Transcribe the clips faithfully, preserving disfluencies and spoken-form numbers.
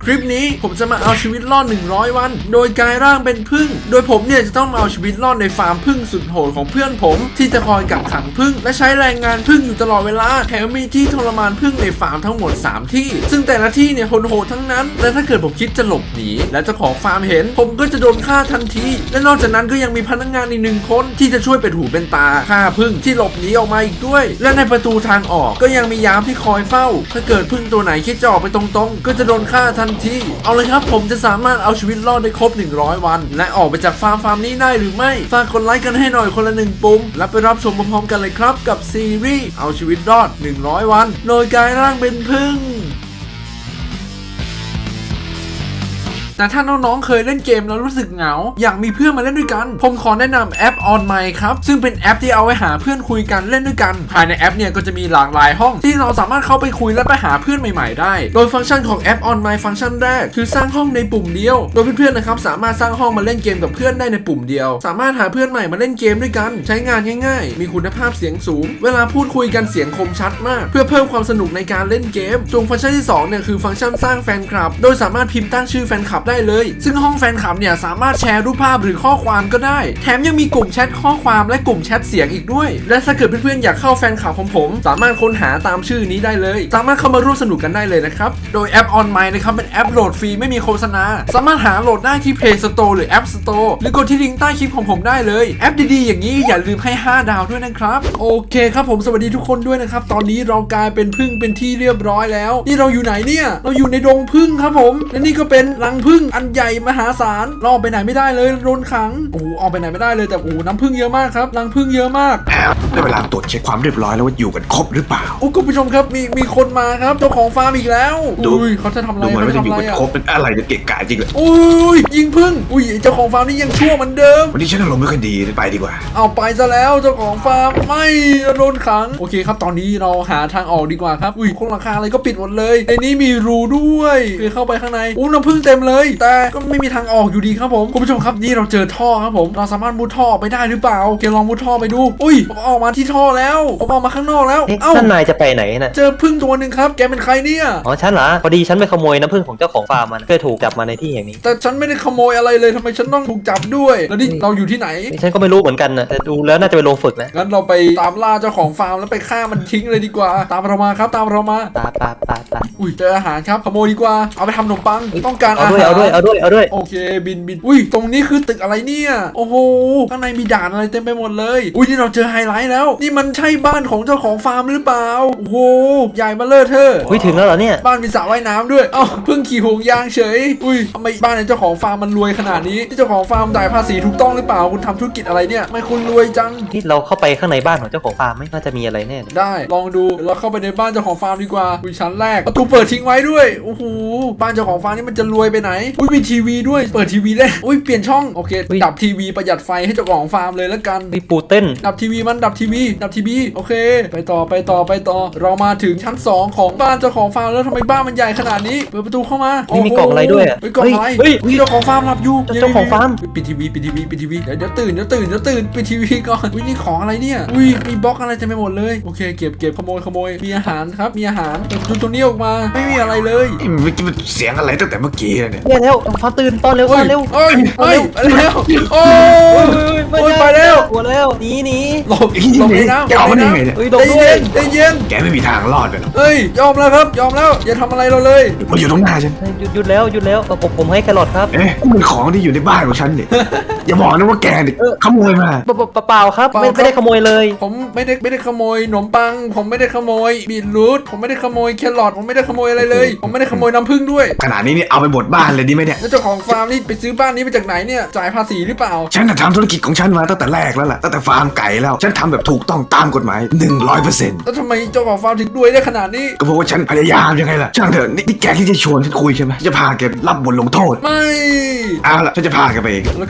คลิปนี้ผมจะมาเอาชีวิตรอดหนึ่งร้อยวันโดยกลายร่างเป็นผึ้งโดยผมเนี่ยจะต้องมาเอาชีวิตรอดในฟาร์มผึ้งสุดโหดของเพื่อนผมที่จะคอยกักขังผึ้งและใช้แรงงานผึ้งอยู่ตลอดเวลาแถมมีที่ทรมานผึ้งในฟาร์มทั้งหมดสามที่ซึ่งแต่ละที่เนี่ยโหดๆทั้งนั้นและถ้าเกิดผมคิดจะหลบหนีและเจ้าของฟาร์มเห็นผมก็จะโดนฆ่าทันทีและนอกจากนั้นก็ยังมีพนักงานอีกหนึ่งคนที่จะช่วยเป็นหูเป็นตาฆ่าผึ้งที่หลบหนีออกมาอีกด้วยและในประตูทางออกก็ยังมียามที่คอยเฝ้าถ้าเกิดผึ้งตัวไหนคิดจะออกไปตรงๆก็จะโดนฆ่าทันทีเอาเลยครับผมจะสามารถเอาชีวิตรอดได้ครบหนึ่งร้อยวันและออกไปจากฟาร์มฟาร์มนี้ได้หรือไม่ฝากกดไลค์กันให้หน่อยคนละหนึ่งปุ่มและไปรับชมพร้อมๆกันเลยครับกับซีรีส์เอาชีวิตรอดหนึ่งร้อยวันโดยกลายร่างเป็นผึ้งแต่ถ้าน้องๆเคยเล่นเกมแล้วรู้สึกเหงาอยากมีเพื่อนมาเล่นด้วยกันผมขอแนะนำแอป On My ครับซึ่งเป็นแอปที่เอาไว้หาเพื่อนคุยกันเล่นด้วยกันภายในแอปเนี่ยก็จะมีหลากหลายห้องที่เราสามารถเข้าไปคุยและไปหาเพื่อนใหม่ๆได้โดยฟังก์ชันของแอป On My ฟังก์ชันแรกคือสร้างห้องในปุ่มเดียวโดยเพื่อนๆนะครับสามารถสร้างห้องมาเล่นเกมกับเพื่อนได้ในปุ่มเดียวสามารถหาเพื่อนใหม่มาเล่นเกมด้วยกันใช้งานง่ายๆมีคุณภาพเสียงสูงเวลาพูดคุยกันเสียงคมชัดมากเพื่อเพิ่มความสนุกในการเล่นเกมส่วนฟังก์ชันที่สองเนี่ยคือฟังก์ชันสร้างแฟนคลับโดยสามารถพิมพ์ตั้งชื่อแฟนคลับได้เลยซึ่งห้องแฟนคลับเนี่ยสามารถแชร์รูปภาพหรือข้อความก็ได้แถมยังมีกลุ่มแชทข้อความและกลุ่มแชทเสียงอีกด้วยและถ้าเกิดเพื่อนๆอยากเข้าแฟนคลับของผมสามารถค้นหาตามชื่อนี้ได้เลยสามารถเข้ามาร่วมสนุกกันได้เลยนะครับโดยแอป On My นะครับเป็นแอปโหลดฟรีไม่มีโฆษณาสามารถหาโหลดได้ที่ Play Store หรือ App Store หรือกดที่ลิงก์ใต้คลิปของผมได้เลยแอปดีๆอย่างนี้อย่าลืมให้ห้าดาวด้วยนะครับโอเคครับผมสวัสดีทุกคนด้วยนะครับตอนนี้เรากลายเป็นผึ้งเป็นที่เรียบร้อยแล้วนี่เราอยู่ไหนเนี่ยเราอยู่ในดงผึ้งครับผมและนี่ก็เป็นรังผึ้งอันใหญ่มหาศาลเราไปไหนไม่ได้เลยโดนขังโอ้ออกไปไหนไม่ได้เลยแต่โอ้น้ำผึ้งเยอะมากครับรังผึ้งเยอะมากได้เวลาตรวจเช็คความเรียบร้อยแล้วว่าอยู่กันครบหรือเปล่าโอ้คุณผู้ชมครับมีมีคนมาครับเจ้าของฟาร์มอีกแล้วอุ้ยเขาจะทำอะไรดูเหมือนว่าจะอยู่กันเขาจะทำอะไรครบเป็นอะไรจะเกะกะจริงเลยอุ้ยยิงผึ้งอุ้ยเจ้าของฟาร์มนี่ยังชั่วเหมือนเดิมวันนี้ฉันอารมณ์ไม่ค่อยดีไปดีกว่าเอาไปซะแล้วเจ้าของฟาร์มไม่โดนขังโอเคครับตอนนี้เราหาทางออกดีกว่าครับอุ้ยโครงหลังคาอะไรก็ปิดหมดเลยในนี้มีรูด้วยคือเข้าไปข้างในอู้น้ำผึ้งเต็มเลยแต่ก็ไม่มีทางออกอยู่ดีครับผมคุณผู้ชมครับนี่เราเจอท่อครับผมเราสามารถมุดท่อไปได้หรือเปล่าเกลองมุดท่อไปดูอุ้ยผมออกมาที่ท่อแล้วผมออกมาข้างนอกแล้วเอ้าท่านนายจะไปไหนน่ะเจอผึ้งตัวหนึ่งครับแกเป็นใครเนี่ยอ๋อฉันเหรอพอดีฉันไปขโมยน้ำผึ้งของเจ้าของฟาร์มมันก็ถูกจับมาในที่แห่งนี้แต่ฉันไม่ได้ขโมยอะไรเลยทำไมฉันต้องถูกจับด้วยแล้วนี่เราอยู่ที่ไหนฉันก็ไม่รู้เหมือนกันนะแต่ดูแล้วน่าจะไปลงฝึกนะงั้นเราไปตามล่าเจ้าของฟาร์มแล้วไปฆ่ามันทิ้งเลยดีกว่าตามเรามาครับตามเรามาตาตาตาตอุ้ยเจออาหารครับขโมยดีกว่าเอาไปทำขนมปังต้องการอาหารเอาด้วยเอาด้วยเอาด้วยโอเคบินบินอุ้ยตรงนี้คือตึกอะไรเนี่ยโอ้โหข้างในมีด่านอะไรเต็มไปหมดเลยอุ้ยนี่เราเจอไฮไลท์แล้วนี่มันใช่บ้านของเจ้าของฟาร์มหรือเปล่าโอ้โหใหญ่มาเลอะเทอะอุ้ยถึงแล้วเหรอเนี่ยบ้านมีสระว่ายน้ำด้วยอ้าวเพิ่งขี่ห่วงยางเฉยอุ้ยทำไมบ้านเจ้าของฟาร์มมันรวยขนาดนี้ที่เจ้าของฟาร์มจ่ายภาษีถูกต้องหรือเปล่าคุณทำธุรกิจอะไรเนี่ยไม่คุณรวยจังที่เราเข้าไปข้างในบ้านของเจ้าของฟาร์มไม่น่าจะมีอะไรแน่ได้ลองดูเราเข้าไปในบ้านเจ้าของฟาร์มดีกว่าอุ้ยชั้นแรกประตูเปิดทิ้งไว้ด้วยโอ้โหบ้านเจ้าของฟาร์มนี่มันจะรวยไปไหนอุ้ยมีทีวีด้วยเปิดทีวีได้อุ้ยเปลี่ยนช่องโอเคดับทีวีประหยัดไฟให้เจ้าของฟาร์มเลยแล้วกันมีปูเต้นดับทีวีมันดับทีวีดับทีวีโอเคไปต่อไปต่อไปต่อเรามาถึงชั้นสองของบ้านเจ้าของฟาร์มแล้วทำไมบ้านมันใหญ่ขนาดนี้เปิดประตูเข้ามานี่มีกล่องอะไรด้วยอ่ะกล่องอะไรเจ้าของฟาร์มหลับอยู่เจ้าของฟาร์มปิดทีวีปิดทีวีปิดทีวีเดี๋ยวตื่นเดี๋ยวตื่นเดี๋ยวตื่นปิดทีวีก่อนอุ้ยนี่ของอะไรเนี่ยอุ้ยมีบล็อกอะไรเต็มไปหมดเลยโอเคเก็บเก็บขโมยขโมยมีอาหารครับมีอาหารเปิดประตูตรงนี้ออกมาไม่มีอะไรเลยเมื่อกี้มันเสียงอะไรตั้งแต่เมื่อกี้เลยเนี่ยเนี่ยแล้วฟ้าตื่นตอนเร็วตอนเร็วเอ้ยเอ้ยแล้วโอ้ยไปแล้วกลัวแล้วหนีหนีหลบหลบในน้ำหลบในน้ำเฮ้ยใจเย็นใจเย็นแกไม่มีทางรอดเลยหรอกเฮ้ยยอมแล้วครับยอมแล้วอย่าทำอะไรเราเลยมันอยู่ตรงหน้าฉันหยุดหยุดแล้วหยุดแล้วผมผมให้แครอทครับเอ๊ะมันของที่อยู่ในบ้านของฉันเนี่ยอย่าบอกนะว่าแกเนี่ยขโมยมาเปล่าครับไม่ไม่ได้ขโมยเลยผมไม่ได้ไม่ได้ขโมยขนมปังผมไม่ได้ขโมยบีทรูทผมไม่ได้ขโมยแครอทผมไม่ได้ขโมยอะไรเลยผมไม่ได้ขโมยน้ำผึ้งด้วยขนาดนี้นี่เอาไปหมดบ้านเลยดีไหมเนี่ยแล้วเจ้าของฟาร์มนี่ไปซื้อบ้านนี้มาจากไหนเนี่ยจ่ายภาษีหรือเปล่าฉันทำธุรกิจของฉันมาตั้งแต่แรกแล้วล่ะตั้งแต่ฟาร์มไก่แล้วฉันทำแบบถูกต้องตามกฎหมาย หนึ่งร้อยเปอร์เซ็นต์แล้วทำไมเจ้าของฟาร์มถึงรวยได้ขนาดนี้ก็เพราะว่าฉันพยายามยังไงล่ะช่างเถอะนี่แกที่จะชวนฉันคุยใช่ไหมจะพาแกรับบทลงโทษไม่เอาล่ะฉันจะพาแกไปเองแล้วครับคุณผู้ชม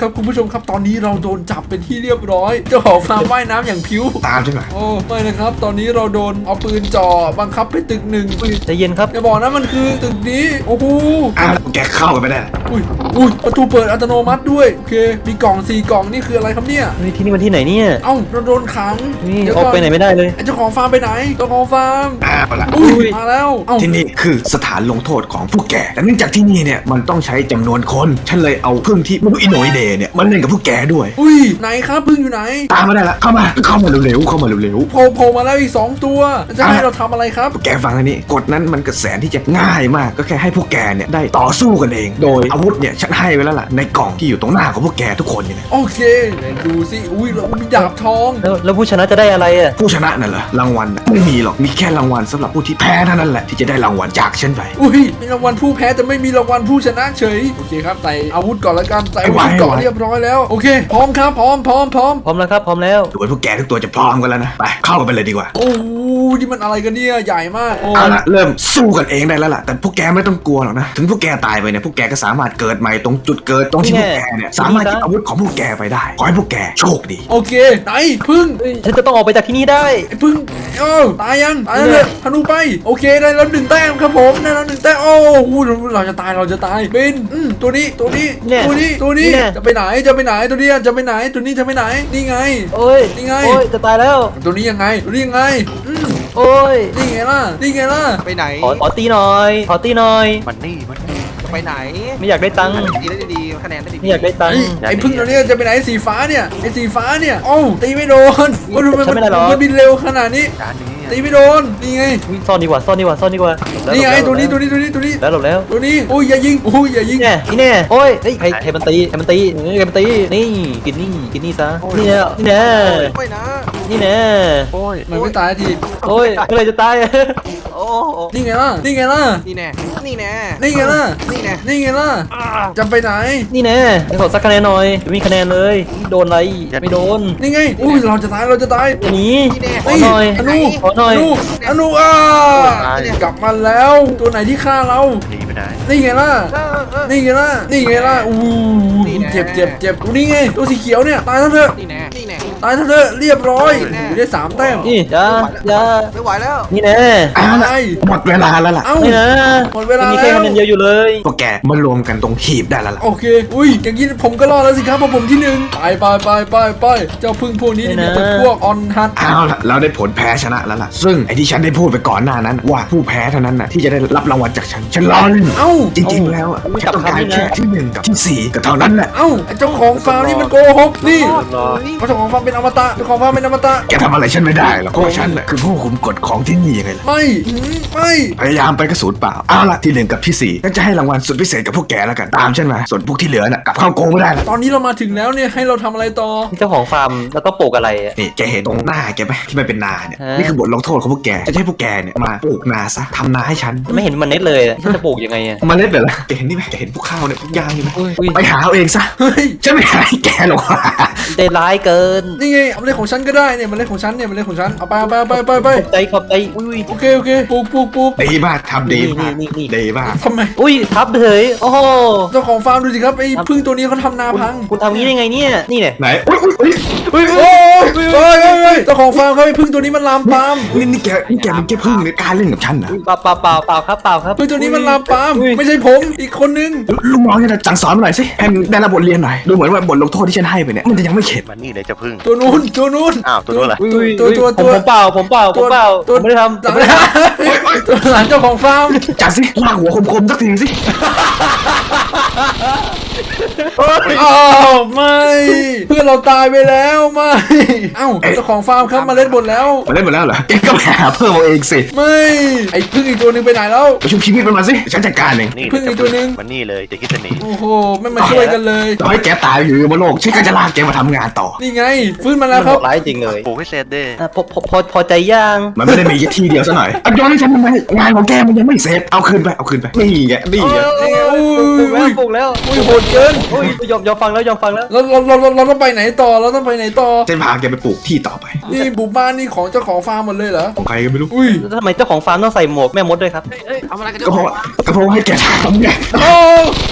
มครับตอนนี้เราโดนจับเป็นที่เรียบร้อยเจ้าของฟาร์มว่ายน้ำอย่างพิ้วตามใช่ไหมโอ้ไม่นะครับตอนนี้เราโดนเอาปืนจ่อบังคับไปตึกหนึ่งใจเย็นครับอย่าบอกนะมันคือตึกนี้โอ้โหอ้าวแกเข้าไปไม่ได้อุ้ยอุ้ยประตูเปิดอัตโนมัติด้วยโอเคมีกล่องสี่กล่องนี่คืออะไรครับเนี่ยเฮ้ยที่นี่มันที่ไหนเนี่ยเอ้าเราโดนขังนี่เดี๋ยวออกไปไหนไม่ได้เลยไอ้เจ้าของฟาร์มไปไหนเจ้าของฟาร์มอ้าวละอุ้ยมาแล้วเอ้าที่นี่คือสถานลงโทษของผู้แก่แต่เนื่องจากที่นี่เนี่ยมันต้องใช้จำนวนคนฉันเลยเอาพึ่งที่ไม่รู้อิโหนอิเหน่เนี่ยมันเล่นกับผู้แก่ด้วยอุ้ยไหนครับพึ่งอยู่ไหนตามมาได้ละเข้ามาเข้ามาเร็วๆเข้ามาเร็วโผล่โผล่มาแล้วอีกสองตัวจะให้เราทำอะไรครับๆแกฟังอันนี้กฎนั้นมันก็แสนที่จะง่ายมากก็แค่ให้พวกแกเนี่ยได้ต่อสู้กันเอง โดยอาวุธเนี่ยฉันให้ไว้แล้วล่ะในกล่องที่อยู่ตรงหน้าของพวกแกทุกคนเนี่ยโอเคเดี๋ยวดูสิอุ้ยเรามีดาบทองแล้วแล้วผู้ชนะจะได้อะไรอ่ะผู้ชนะนั่นเหรอรางวัลน่ะไม่มีหรอกมีแค่รางวัลสำหรับผู้ที่แพ้เท่านั้นแหละที่จะได้รางวัลจากฉันไปอุ้ยมีรางวัลผู้แพ้แต่ไม่มีรางวัลผู้ชนะเฉยโอเคครับใส่อาวุธก่อนละกันใส่อาวุธก่อนเรียบร้อยแล้วโอเคพร้อมครับพร้อมพร้อมพร้อมพร้อมแล้วครับพร้อมแล้วดูว่าพวกแกทุกตัวจะพร้อมกันแล้วนะไปเข้ากันไปเลยดีกว่าโอ้โหนี่มันอะไรกันเนี่ยใหญ่มากโอ้เอาละเริ่มสู้กันเองได้แล้วล่ะแต่พวกแกไม่ต้องกลัวหรอกนะถึงพวกแกตายไปเนี่ยพวกแกก็สามารถเกิดใหม่ตรงจุดเกิดตรงที่พวกแกเนี่ยสามารถหยิบอาวุธของพวกแกไปได้ขอให้พวกแกโชคดีโอเคไหนพึ่งเฮ้ยฉันจะต้องออกไปจากที่นี่ได้ไอ้พึ่งเออตายยังตายแล้วเลยธนูไปโอเคได้แล้วหนึ่งแต้มครับผมได้แล้วหนึ่งแต้มโอ้โหเราจะตายเราจะตายเป็นอืมตัวนี้ตัวนี้ตัวนี้ตัวนี้จะไปไหนจะไปไหนตัวนี้จะไปไหนตัวนี้จะไปไหนนี่ไงโอ้ยนี่ไงโอ้ยจะตายแล้วตัวนี้ยังไงตัวนี้ยังไงอืมโอ้ยนี่ไงล่ะนี่ไงล่ะไปไหนขอขอตีหน่อยขอตีหน่อยมันนี่มันนี่จะไปไหนไม่อยากได้ตังค์ดีได้ดีคะแนนได้ดีไม่อยากได้ตังไอ้ค์ไอ้พึ่งตัวนี้จะไปไหนสีฟ้าเนี่ยไอ้สีฟ้าเนี่ยโอ้าตีไม่โดนว่าดูมันฉันไม่ได้หรอมันบินเร็วขนาดนี้จานนี้ตีไม่โดนนี่ไงอุ๊ยซ่อนดีกว่าซ่อนดีกว่าซ่อนดีกว่าแล้วนี่ไงแล้วตัวนี้ตัวนี้ตัวนี้ตัวนี้แล้วหลบแล้วตัวนี้โอ้ยอย่ายิงโอ้ยอย่ายิงนี่แน่นี่แน่โอ้ยเฮ้ยใครใครมันตีใครมันตีเฮ้ยใครมันตีนี่กินนี่กินนี่ซะนี่แน่นี่แน่ไม่นะนี่แน่โอ้ยมันไม่ตายทีโอ้ยเมื่อไหรจะตายโอ้นี่ไงล่ะนี่ไงล่ะนี่แน่นี่แน่นี่ไงล่ะนี่แน่นี่ไงล่ะจะไปไหนนี่แน่ขอสักคะแนนหน่อยไม่มีคะแนนเลยโดนอะไรไม่โดนนี่ไงอุ้ยเราจะตายเราจะตายอย่าหนีนี่แน่ขอหน่อยอนุขอหน่อยอนุอนุอ่ากลับมาแล้วตัวไหนที่ฆ่าเราหนีไปไหนนี่ไงล่ะเออเออนี่ไงล่ะนี่ไงล่ะอู้นี่แน่เจ็บเจ็บเจ็บนี่ไงตัวสีเขียวเนี่ยตายแล้วเถอะนี่แน่นี่แน่ตายเถอะเรียบร้อยนี่แน่ได้สามแต้มนี่อย่าอย่าไม่ไหวแล้วนี่แน่เอาอะละไรหมดเวลาแล้วล่ะเอ้านี่นะหมดเวลามีแค่แล้วคะแนนเดียวอยู่เลยพวกแกมารวมกันตรงหีบได้แล้วล่ะโอเค อุ้ย อย่างนี้ผมก็รอดแล้วสิครับเพราะผมที่หนึ่งไปไปไปไปไปเจ้าพึ่งพวกนี้นี่มีแต่พวกออนฮัทเอาละเราได้ผลแพ้ชนะแล้วล่ะซึ่งไอ้ที่ฉันได้พูดไปก่อนหน้านั้น ว่าผู้แพ้เท่านั้นน่ะที่จะได้รับรางวัลจากฉันฉันล้อเล่นเอ้าจริงๆแล้วอ่ะฉันต้องการแค่ที่หนึ่งกับที่สี่ก็เท่านั้นแหละเอ้าไอ้เจ้าของฟาร์มนี่มันโกหกนี่รอเจ้าของฟาร์มเป็นอมตะเจ้าของฟาร์มเป็นอมตะแกทำอะไรฉันไม่ได้หรอกเพราะฉันน่ะคือผู้คุมกฎของที่นี่ยังไงล่ะไม่หืมไม่พยายามไปกระสุนเปล่าเอาละที่หนึ่งกับที่สี่ฉันจะให้รางวัลสุดพิเศษกับพวกแกแล้วกันตามฉันมาส่วนพวกที่เหลือน่ะกลับเข้าโกงไม่ได้ละตอนนี้เรามาถึงแล้วเนี่ยให้เราทำอะไรต่อเจ้าของฟาร์มแล้วก็ปลูกอะไรอะนี่แกเห็นตรงหน้าแกไหมที่มันเป็นนาเนี่ยฮะนี่คือบทลงโทษของพวกแกจะให้พวกแกเนี่ยมาปลูกนาซะทำนาให้ฉันไม่เห็นมันเน็ตเลยอะฉันจะปลูกยังไงอะเมาเล็ดเลยล่ะแกเห็นนี่ไหมแกเห็นพวกข้าวเนี่ยพวกยางอยู่ไหมอุ้ยไปหาเอาเองซะเฮ้ยฉันไม่ให้แกหรอกใจร้ายเกินนี่ไงเอาเล่นของฉันก็ได้เนี่ยมันเล่นของฉันเนี่ยมันเล่นของฉันเอาไปเอาไปเอาไปเอาไปเอาไปขอบใจขอบใจอุ้ยโอเคโอเคปลูกปลูกปลูกดีมากทำดีมากนี่นี่นี่ดีมากทำไมอุ้ยทับเฉยโอ้โหเจ้าของฟาร์มดูสิครับไอ้พึ่งตัวนี้เขาทำนาพังคุณทำงี้ได้ไงเนี่ยนี่เนี่ยไหนอุ้ยอุ้ยอุ้ยเฮ้ยโอ้ยเฮ้ยเฮ้ยเฮ้ยเจ้าของฟาร์มเขาไอ้พึ่งตัวนี้มันลามปามนี่นี่แกนี่แกมันแค่พึ่งในการเล่นกับฉันนะอุ้ยเปล่าเปล่าเปล่าเปล่าครับเปล่าครับพึ่งตัวนี้มันลามปามอุ้ยไม่ใช่ผมอีกคนนึงลุงน้องเนี่ยสั่งสอนมาหน่อยสิให้มันได้รับบทเรียนหน่อยดูเหมือนว่าบทลงโทษที่ฉันให้ไปเนี่ยมันจะยังไม่เข็ดมันนี่เลยจะพึ่งตัวนู้นตัวนู้นอ้าวตัวนู้นเหรออุ้ยอุ้ยตัวตัวผมตัวผมเปล่าผมเปล่าผมเปล่าตัวผมไม่ได้ทำหลังตัวหลังเจ้าของฟาร์มจัดสิลากหัวคมๆสักทีสิอ้าวไม่เพื่อนเราตายไปแล้วไม่เอ้าเจ้าของฟาร์มครับมาเล่นบทแล้วมาเล่นหมดแล้วเหรอแกก็ไปหาเพิ่มเอาเองสิไม่ไอ้พึ่งอีกตัวหนึงไปไหนแล้วไปชุบชีวิตมันมาสิฉันจัดการเองนี่พึ่งอีกตัวนึงมันนี่เลยจะคิดจะหนีโอ้โหไม่มาช่วยกันเลยต่อให้แกตายอยู่บนโลกฉันก็จะลากแกมาทำงานต่อนี่ไงฟื้นมามัแล้วนคโหรับดร้ายจริงเลยปลูกให้เสร็จเด้อ่ะพอพอพอพอใจย่างมันไม่ได้มีแค่ทีเดียวซะหน่อยเอาย้อนให้ฉันทำไมงานของแกมันยังไม่เสร็จเอาคืนไปเอาคืนไปนี่ไงนี่ไงนี่ไงอุ้ปลูกแล้วยปลูกแล้วอุ้ยโหดเกินอุ้ยยอมยอมฟังแล้วยอมฟังแล้วเราเราเราเราเราต้องไปไหนต่อเราต้องไปไหนต่อฉันพาแกไปปลูกที่ต่อไปนี่บุกบ้านนี่ของเจ้าของฟาร์มหมดเลยเหรอของใครก็ไม่รู้อุ้ยแล้วทำไมเจ้าของฟาร์มต้องใส่หมวกแม่มดด้วยครับเอ้ยเอาอะไรกันก็เพราะว่าก็เพราะว่าให้แกทำไงโอ้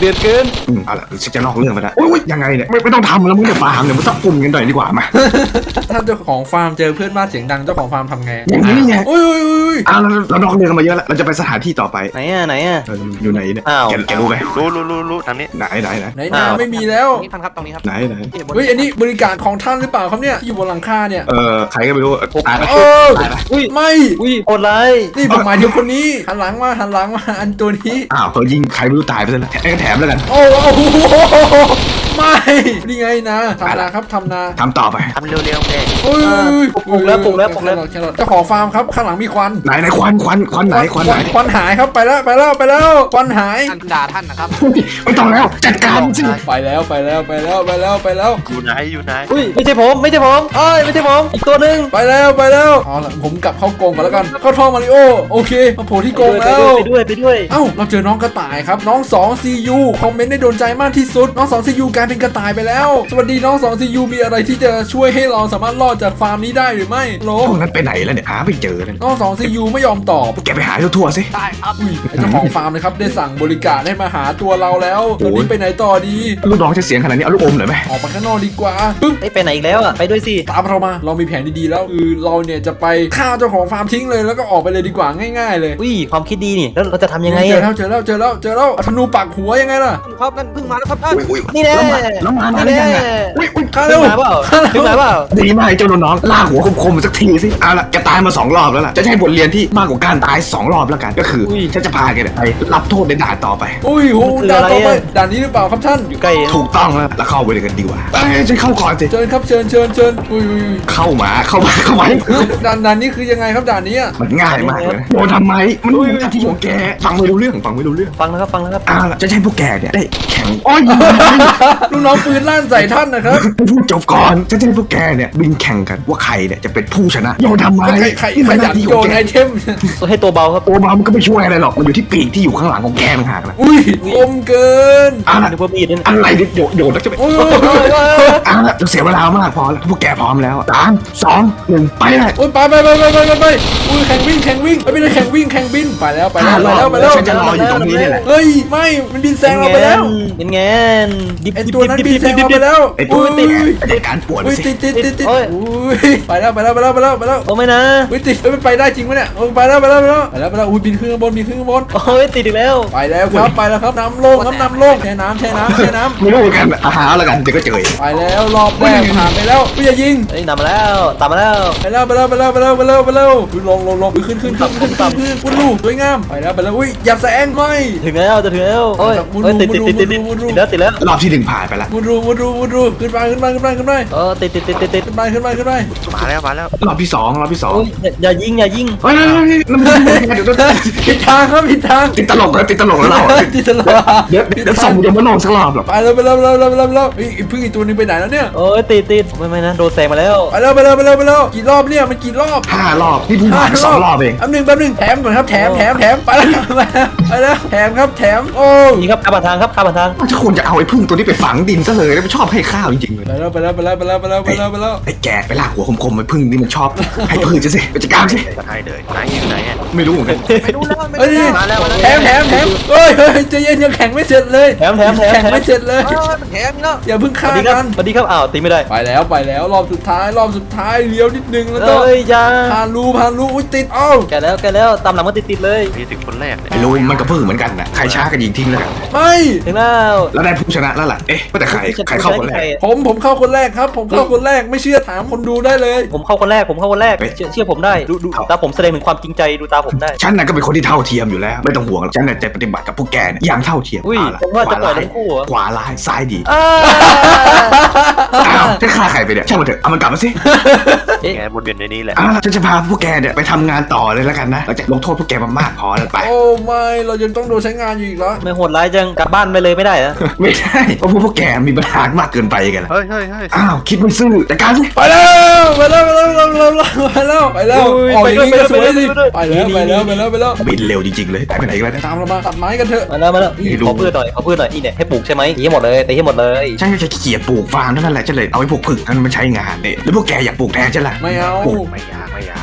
เดือดเกินอืมเอาละฉันจะนอกเรื่องไปแล้วโอ้ยยังไงเนี่ยไม่ไม่ต้องทำแล้วมึงจะฟาร์มเนี่ยมันสักกลุ่มกันหน่อยดีกว่ามาถ้าเจ้าของฟาร์มเจอเพื่อนบ้านเสียงดังเจ้าของฟาร์มทำไงอย่างนี้ไงอุ้ยอุ้ยอุ้ยอ้าวเราเรานอกเรื่องกันมาเยอะแล้วเราจะไปสถานที่ต่อไปไหนอ่ะไหนอ่ะเอออยู่ไหนเนี่ยอ้าวแกแกรู้ไหมรู้รู้รู้รู้ทางนี้ไหนไหนไหนไหนนาไม่มีแล้วนี่ท่านครับตรงนี้ครับไหนไหนเฮ้ยอันนี้บริการของท่านหรือเปล่าครับเนี่ยที่อยู่บนหลังคาเนี่ยเออใครก็ไม่รู้ตายไปโอ้ตายไปอุ้ยไม่อุ้ยโหดร้ายนี่ผมหมายถึงคนนี้หันหลังมาหันหลังมาอันตัวนี้อ้าวเขายิงใครไม่รู้ตายไปซะแล้วแถมแถมแล้วกันโอ้โหไม่นี่ไงนะทำนาครับทำนาทำต่อไปทำเร็วๆแม่โอ้ยปลุกแล้วปลุกแล้วปลุกแล้วแครอทเจ้าของฟาร์มครับข้างหลังมีควันไหนไหนควันควันควันไหนควันไหนควันหายครับไปแล้วไปแล้วไปแล้วควันหายท่านด่าท่านนะครับไม่ต้องแล้วจัดการสิไปแล้วไปแล้วไปแล้วไปแล้วไปแล้วอยู่ไหนอยู่ไหนอุ้ยไม่ใช่ผมไม่ใช่ผมเอ้ยไม่ใช่ผมอีกตัวหนึ่งไปแล้วไปแล้วเอาล่ะผมกลับเข้ากรงก่อนแล้วกันเข้าท่อมาริโอโอเคมาโผล่ที่กรงไปแล้วด้วยไปด้วยไปด้วยเอ้าเราเจอน้องกระต่ายครับน้อง สอง ซี ยู คอมเมนต์ได้โดนใจมากที่สุดน้อง สอง ซี ยู กลายเป็นกระต่ายไปแล้วสวัสดีน้อง สอง ซี ยู มีอะไรที่จะช่วยให้เราสามารถรอดจากฟาร์มนี้ได้หรือไม่โหลพวกนั้นไปไหนแล้วเนี่ยหาไม่เจอเลยน้อง สอง ซี ยู ไม่ยอมตอบแกไปหาทั่วๆสิได้ครับอุ้ยไอ้เจ้าของฟาร์มนะครับได้สั่งบริการให้มาหาตัวเราแล้วตอนนี้ไปไหนต่อดีลูกน้องจะเสียงขนาดนี้เอาลูกอมหน่อยไหมออกไปข้างนอกดีกว่าปึ๊บเอ้ยไปไหนอีกแล้วอ่ะไปด้วยสิตามเรามาเรามีแผนดีๆแล้วคือเราเนี่ยจะไปฆ่าเจ้าของฟาร์มทิ้งเลยแล้วก็ออกไปเลยดีกว่าง่ายๆเลยอุ้ยความคิดดีนี่แล้วเราจะทำยังไงเจออ่ะแล้วเจอแล้วเจอแล้วเจอแล้วเอาธนูปักหัวยังไงล่ะครับนั่นเพิ่งมาแล้วครับท่านอุ้ยอุ้ยนี่แน่แล้วมาแล้วมาได้ยังไงอุ้ยอุ้ยฆ่าถึเร็งวมาเปล่าถึงมาเปล่าดีมากเจ้าน้องลากหัวคมๆสักทีสิเอาละแกตายมาสองรอบแล้วล่ะจะใช้บทเรียนที่มากกว่าการตายสองรอบแล้วกันก็คือฉันจะพาแกเนี่ยไปรับโทษในด่านต่อไปอุ้ยโหด่านต่อไปด่านนี้หรือเปล่าครับท่านอยู่ใกล้ถูกต้องแล้วแล้วเข้าไปเลยกันดีกว่าไปฉันเข้าก่อนสิเชิญครับเชิญเชิญเชิญอุ้ยอุ้ยเข้ามาเข้ามาเข้ามาอุ้ยด่านด่านนี้คือยังไงครับด่านนี้อะมันง่ายมากเลยโดนทำไมมันเป็นหน้าที่ของแกฟังไม่รู้เรื่องฟังไม่รู้เรื่องฟังนะครับฟังนะครับเอาละจะให้พวกแกเนี่ยได้แข่งอ้อยลูกน้องปืนลั่นใส่ท่านนะครับพูดจบก่อนจะให้พวกแกเนี่ยบินแข่งกันว่าใครเนี่ยจะเป็นผู้ชนะโยนทำไมใครใครนี่ใครมันหอยาน้าก ที่ขโยองนแกไอเทมตัวให้ตัวเบาครับตัวมันก็ไม่ช่วยอะไรหรอกมันอยู่ที่ปีกที่อยู่ข้างหลังของแกต่างหากนะอุ้ยคมเกินเอาละนึกว่ามีดนั่นอะไรเนี่ยโยนโยนแล้วจะไปโอ้ยโอ้ยโอ้ยโอ้ยเอาละจะเสียเวลามากพอแล้วพวกแกพร้อมแล้วสามสองหนึ่งไปเลยโอ้ยไปไปไปไปไปไปไปอุ้ยแข่งวิ่งแข่งวิ่งไม่ได้แข่งวิ่งแข่งบินไปแล้วไปแล้วไปแล้วไปแล้วฉันจะรออยู่ตรงนี้นี่แหละเฮ้ยไม่มันบินแซงเราไปแล้วเป็นไงดิบไอดิบตัวนั้นบินแซงเราไปแล้วไอ้ตัวอุ้ยติดไอ้การปวดอุ้ยสิติดติดติดติดโอ้ยอุ้ยไปแล้วไปแล้วไปแล้วไปแล้วไปแล้วโอ้ไม่นะอุ้ยติดเฮ้ยมันไปได้จริงไหมเนี่ยโอ้ยไปแล้วไปแล้วไปแล้วไปแล้วไปแล้วอุ้ยบินขึ้นข้างบนบินขึ้นข้างบนโอ้ยติดอีกแล้วไปแล้วครับไปแล้วครับน้ำโลงครับน้ำโลงแช่น้ำแช่น้ำแช่น้ำไม่รู้เหมือนกันอาหารแล้วกันเดี๋ยวก็เจอไปแล้วรอบแรกผ่านไปแล้วอุ้ยอย่ายิงเฮ้ยตามมาแล้วตามมาแล้วไปแล้วไปแล้วไปแล้วไปแล้วไปแล้วไปแล้วอุ้ยลงลงลงขึ้นขึ้นขึ้นขึ้นขึ้นขึ้นขึ้นลูกสวยงามไปแล้วไปแล้วอุ้ยอย่าแซงไม่ถึงแล้วจะถึงแล้วโอ้ยมุดรูโอ้ยติดติดมุติดดรูติดมุดรูติดแล้วติดแล้วรอบที่หนึ่งผ่านไปแล้วมุดรูมุดรูมุดรูขึ้นไปขึ้นไปขึ้นไปขึ้นไปเออติดติดติดติดติดขึ้นไปขึ้นไปขึ้นไปมาแล้วมาแล้วรอบที่สองรอบที่สองโอ้ยอย่าอย่ายิงอย่ายิงเฮ้ยนั่นมันเดี๋ยวผิดทางครับผิดทางติดตลกแล้วติดตลกแล้วเราติดตลอดเดี๋ยวเดี๋ยวส่งเดี๋ยวมาลองสักรอบหรอกไปแล้วไปแล้วไปแล้วไปแล้วไปแล้วไปแล้วเฮ้ยพึ่งอีกตัวนึงไปไหนแล้วเนี่ยโอ้ยติดติดไม่ไม่นะโดนแซงมาแล้วไปแล้วไปแล้วไปแล้วไปแล้วกี่รอบเนี่ยมันกี่รอบห้ารอบนี่เพิ่งผ่านสองรอบเองแป๊บนึงแป๊บนึงแถมก่อนครับแถมแถมแถมไปแล้วไปแล้วไปแล้วแถมครับแถมโอ้นี่ครับข้ามผ่านทางครับข้ามผ่านทางถ้าควรจะเอาไอ้พึ่งตัวนี้ไปฝังดินซะเลยแล้วมันชอบให้ข้าวจริงๆเลยไปแล้วไปแล้วไปแล้วไปแล้วไปแล้วไปแล้วไปแล้วไอ้แกไปลากหัวคมๆไอ้พึ่งนี่มันชอบให้พึ่งจะสิไปจัดการสิให้เลยไหนอยู่ไหนอ่ะไม่รู้เหมือนกันไม่รู้แล้วไม่เฮ้ยรู้มาแล้วมาแล้วแถมแถมแถมเฮ้ยเฮ้ยใจเย็นยังแข่งไม่เสร็จเลยแถมแถมแถมแข่งแถมไม่เสร็จเลยเออมันแถมนี่แล้วอย่าเพิ่งสฆ่าวัสดีครักับ นสวัสดีครับอ้าวตีไม่ได้ไปแล้วไปแล้วรอบสุดท้ายรอบสุดท้ายเลี้ยวนิดนึงแล้วก็เอ้ยอยาผ่านรูผ่านรูอุ้ยติดเอ้าแกแล้วแกแล้วตามหลังมาติดติดเลยมีถึงคนแรกเนี่ยไอ้รู้มันก็พึ่งเหมือนกันนะใครช้าก็ยิงทิ้งแล้วกันไม่ถึงแล้วแล้วได้ผู้ชนะแล้วล่ะเอ๊ะว่าแต่ใครใครเข้าคนแรกผมผมเข้าคนแรกครับ ผมเข้าคนแรกไม่เชื่อถามคนดูได้เลยผมเข้าคนแรกผมเข้าคนแรกเชื่อเชื่อผมได้ดูดูตาผมแสดงถึงความจริงใจดูตาผมได้ฉันน่ะก็เป็นคนที่เท่าเทียมอยู่แล้วไม่ต้องห่วงหรอกฉันน่ะจะปฏิบัติกับพวกแกเนี่ยอย่างเท่าเทียมอุ้ยเอาล่ะผมว่าจะปล่อยขวาทั้งคู่เหรอขวาร้ายซ้ายดีอ้าอ้าวจะฆ่าใครไปเนี่ยช่างมันเถอะเอามันกลับมาสิเอ๊ะแกวนเวียนในนี้แหละอ่าฉันจะพาพวกแกเนี่ยไปทำงานต่อเลยแล้วกันนะเราจะลงโทษพวกแกมามากพอแล้วไปโอ้ไม่เรายังต้องโดนใช้งานอยู่อีกเหรอไม่โหดร้ายจังกลับบ้านไปเลยไม่ได้เหรอไม่ได้เพราะพวกพวกแกมีปัญหามากเกินไปกันละเฮ้ยเฮ้ยเฮ้ยอ้าวคิดไม่ซื่อแต่การสิไปแล้วไปแล้วไปแล้วไปแล้วไปแล้วไปแล้วออกอย่างนี้ก็สวยสิไปแล้วไปแล้วไปแล้วไปแล้วบินเร็วจริงๆเลยไปไหนกันแล้วเนี่ยตามเรามาตัดไม้กันเถอะมาแล้วมาแล้วนี่ไม่รู้ขอพืชหน่อยขอพืชหน่อยนี่เนี่ยให้ปลูกใช่ไหมตีให้หมดเลยตีให้หมดเลยฉันจะเขียดปลูกฟาร์มเท่านั้นแหละฉันเลยเอาไอ้พวกผึ่งนั้นมาใช้งานเนี่ยแล้วพวกแกอยากปลูกแทนฉันล่ะไม่เอาปลูกไม่อยากไม่อยาก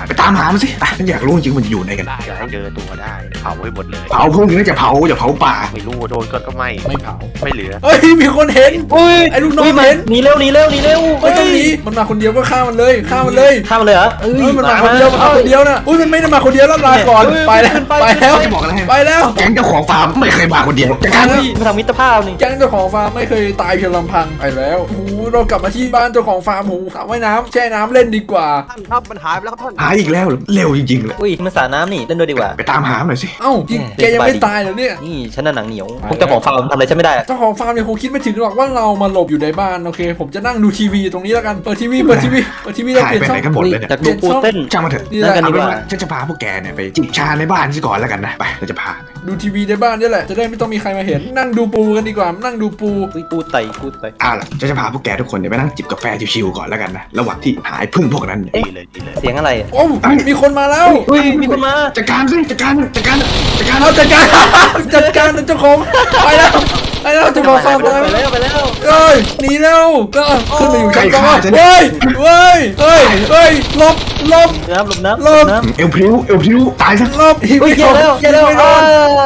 ไปตามหามันสิไปฉันอยากรู้จริงมันอยู่ไหนกันอย่าให้เจอตัวได้เผาไว้หมดเลยเผาพวกนี้จะเผาอย่าเผาป่าไม่รู้โดนก็ก็ไม่ไม่เผาไม่เหลือเฮ้ยมีคนเห็นอุ้ยไอ้ลูกน้องยมาเห็นหนีเร็วหนีเร็วหนีเร็วไม่ต้องหนีมันมาคนเดียวก็ฆ่ามันเลยฆ่ามันเลยข้ามมาเลยเหรอเอ้เฮ้ยมันมาคนเดียวมันมาคนเดียวนะอุ้ยมันไม่ได้มาคนเดียวแล้วลาก่อนไปแล้วไปแล้วจะบอกอะไรให้ไปแล้วแก๊งเจ้าของฟาร์มไม่เคยมาคนเดียวจัดการเฮ้ยมาทำมิตรภาพนี่แก๊งเจ้าของฟาร์มไม่เคยตายเพียงลำพังไปแล้วโอ้โหเรากลับมาที่บ้านเจ้าของฟาร์มโอ้โหสระว่ายน้ำแช่น้ำเล่นดีกว่าท่านครับมันหายไปแล้วครับท่านหาอีกแล้วเหรอเร็วจริงๆเลยอุ้ยมันสระน้ำนี่เล่นด้วยดีกว่าไปตามหามันหน่อยสิเอ้าจริงแกยังไม่ตายเหรอเนี่ยนี่ฉันน่ะหนังเหนียวพวกเจ้าของฟาร์มทำอะไรฉันไม่ได้อะเจ้าของฟาร์มเนี่ยคงคิดไม่ถึงหรอกว่าเรามาหลบอยู่ในบ้านโอเค ผมจะนั่งดูทีวีตรงนี้แล้วกันเปิดทีวีเปิดทีวีเปิดทีวีแล้วหายเปลี่ยนไปช่อไหนงกันหมดเลยเนี่ยจากดูปูเต้นช่างมันเถอะนี่แหนั่ละงกันเอาดีเป็นกว่าว่าฉันจะพาพวกแกเนี่ยไปจิบชาในบ้านซะก่อนแล้วกันนะไปเราจะพาไปดูทีวีในบ้านนี่แหละจะได้ไม่ต้องมีใครมาเห็นนั่งดูปูกันดีกว่านั่งดูปูอุ้ยปูไตปูไตเอ้าวล่ะฉันจะพาพวกแกทุกคนเนี่ยไปนั่งจิบกาแฟชิวๆก่อนแล้วกันนะระหว่างที่หายพึ่งพวกนั้นเนี่ยดีเลยดีเลยเสียงอะไรอะโอ้มีคนมาแล้วอุ้ยมีคนมาจัดการสิจัดการจัดการจัดการเอาจัดการ จัดการเจ้าของไปแล้วไปแล้วเจ้าของฟาร์มไปตายแล้วไปแล้วเอ้ยหนีแล้วก็ขึ้นมาอยู่ชั้นสองเฮ้ยเฮ้ยเฮ้ยเฮ้ยหลบหลบน้ำหลบน้ำหลบน้ำเอวพริ้วเอวพริ้วตายซะหลบอุ้ยเย็นแล้วเย็นแล้วไม่โดอ่าน